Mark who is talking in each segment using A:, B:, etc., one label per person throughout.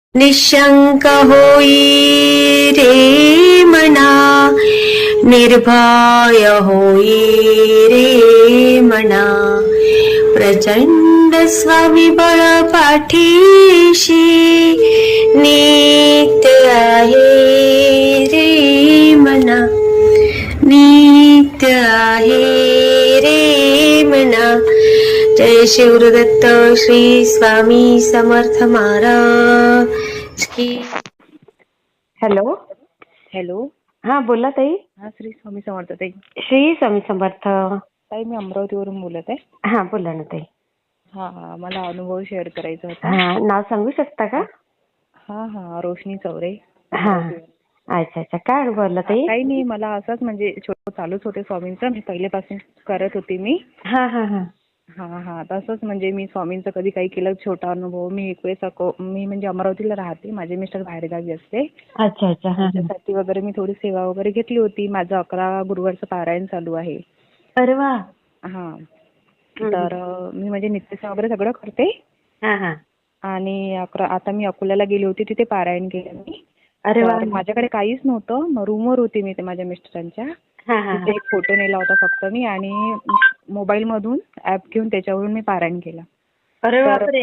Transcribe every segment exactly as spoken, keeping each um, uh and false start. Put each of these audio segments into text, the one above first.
A: निशंक होई रे मना, निर्भय होई रे मना, प्रचंड स्वविबळ पाठीशी नित्य आहे रे मना, नित्य आहे रे मना. जय शिवदत्त श्री स्वामी समर्थ महाराज की. Hello
B: hello.
A: हा बोला ताई.
B: हा, श्री स्वामी समर्थ ताई.
A: श्री स्वामी समर्थ
B: ताई, मी अमरावतीवरून बोलत आहे.
A: हा बोला ना ताई.
B: हा हा मला अनुभव शेअर करायचा होता.
A: हा, नाव सांगू शकता का?
B: हा हा रोशनी चौरे.
A: हा, अच्छा अच्छा. काय अनुभव आला ताई?
B: काही नाही, मला असंच म्हणजे छोटं चालूच होते स्वामींचं, मी पहिल्यापासून करत होती मी.
A: हा हा हा
B: हा हा तसंच म्हणजे मी स्वामींचं कधी काही केलं छोटा अनुभव. मी एक वेळेस अको मी म्हणजे अमरावतीला राहते, माझे मिस्टर बाहेरगावी असते.
A: अच्छा अच्छा. हा
B: त्याच्यासाठी वगैरे मी थोडी सेवा वगैरे घेतली होती. माझं अकरा गुरुवारचं पारायण चालू आहे.
A: अरे वा.
B: हा, तर मी म्हणजे नित्यसेवा वगैरे सगळं करते.
A: हा हा.
B: आणि अकरा आता मी अकोल्याला गेली होती, तिथे पारायण केलं मी.
A: अरे वा.
B: तर माझ्याकडे काहीच नव्हतं, मग रूमवर होती मी ते माझ्या मिस्टरांच्या.
A: हा हा
B: तिथे एक फोटो नेला होता फक्त मी, आणि मोबाईल मधून ऍप घेऊन त्याच्यावरून मी पारायण केलं.
A: अरे
B: तर
A: बापरे.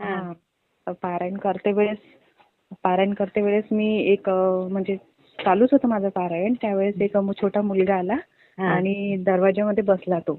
B: हा, पारायण करते वेळेस पारायण करते वेळेस मी एक अं, म्हणजे चालूच होतं माझं पारायण. त्यावेळेस एक अं, छोटा मुलगा आला आणि दरवाज्यामध्ये बसला तो.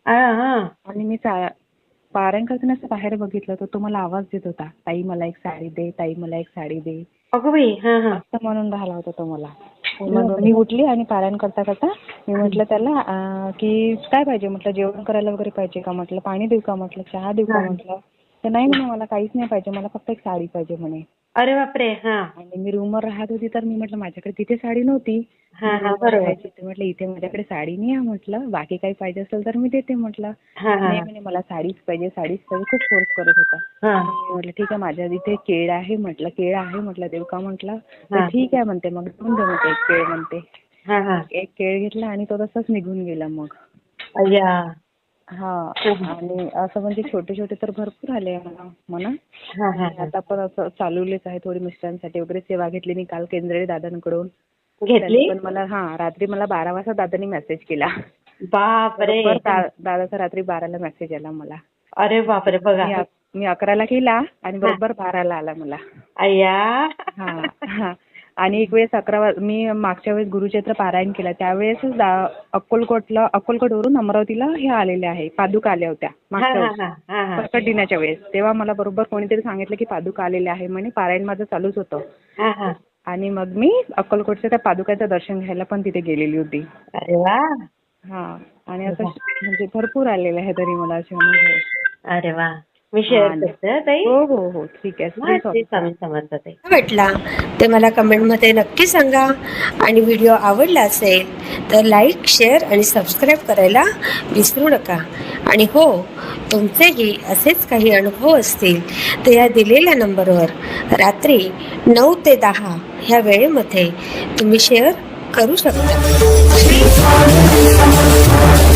B: आणि मी चा- पारायण करताना असं बाहेर बघितलं तर तो मला आवाज देत होता, ताई मला एक साडी दे, ताई मला एक साडी दे,
A: अगं बाई. हा हा.
B: असं म्हणून राहिला होता तो मला. मग मी उठली आणि पारायण करता करता मी म्हटलं त्याला अं, की काय पाहिजे म्हटलं, जेवण करायला वगैरे पाहिजे का म्हटलं, पाणी देऊ का म्हटलं, चहा देऊ का म्हटलं. तर नाही म्हणे, मला काहीच नाही पाहिजे, मला फक्त एक साडी पाहिजे म्हणे.
A: अरे बापरे. हा.
B: आणि मी रूमवर राहत होती, तर मी म्हटलं माझ्याकडे तिथे साडी नव्हती.
A: हा हा बरोबर.
B: म्हटलं इथे माझ्याकडे साडी नाही आहे म्हटलं, बाकी काही पाहिजे असेल तर मी देते म्हटलं.
A: हा हा
B: नाही म्हणे, मला साडीच पाहिजे, साडीच पाहिजे, खूप फोर्स करत होता.
A: हा.
B: मी म्हटलं ठीक आहे, माझ्या इथे केळ आहे म्हटलं, केळ आहे म्हटलं, देऊ का म्हटलं. तर ठीक आहे म्हणते, मग देऊन दे म्हणते एक केळ म्हणते.
A: हा हा.
B: एक केळ घेतला आणि तो तसाच निघून गेला मग.
A: अय्या.
B: हा, आणि असं म्हणजे छोटे छोटे तर भरपूर आले मला म्हणा.
A: हा हा.
B: आता पण असं चालवलेच आहे, थोडी मिस्टरांसाठी वगैरे सेवा घेतली मी काल केंद्रे दादांकडून.
A: घेतली.
B: पण मला हा रात्री मला बारा वाजता दादांनी मेसेज केला.
A: बापरे.
B: बरोबर दा- दादाचा रात्री बाराला मेसेज आला मला.
A: अरे बापरे. बघा.
B: मी अक- मी अकराला केला आणि बरोबर बाराला आला मला.
A: अय्या.
B: हा हा. आणि एक वेळेस अकरा वाज मी मागच्या वेळेस गुरुचैत्र पारायण केला, त्यावेळेस दा- अक्कलकोटला अक्कलकोटवरून अमरावतीला हे आलेले आहे, पादुका आल्या होत्या मागच्या वेळेस प्रकट दिनाच्या वेळेस. तेव्हा मला बरोबर कोणीतरी सांगितलं की पादुका आलेल्या आहे म्हणे. पारायण माझं चालूच होतं. आणि मग मी अक्कलकोटच्या त्या पादुकाचं दर्शन घ्यायला पण तिथे गेलेली होती.
A: अरे वा.
B: हा, आणि असं म्हणजे भरपूर आलेले आहे तरी मला असे अनुभव.
A: अरे वा. मी शेअर करते ताई.
B: हो हो हो ठीक आहे.
A: स्वामी समर्थ ताई. भेटला ते मला कमेंटमध्ये नक्की सांगा. आणि व्हिडिओ आवडला असेल तर लाईक, शेअर आणि सबस्क्राईब करायला विसरू नका. आणि हो, तुमचेही असेच काही अनुभव असतील तर या दिलेल्या नंबरवर रात्री नऊ ते दहा ह्या वेळेमध्ये तुम्ही शेअर करू शकता.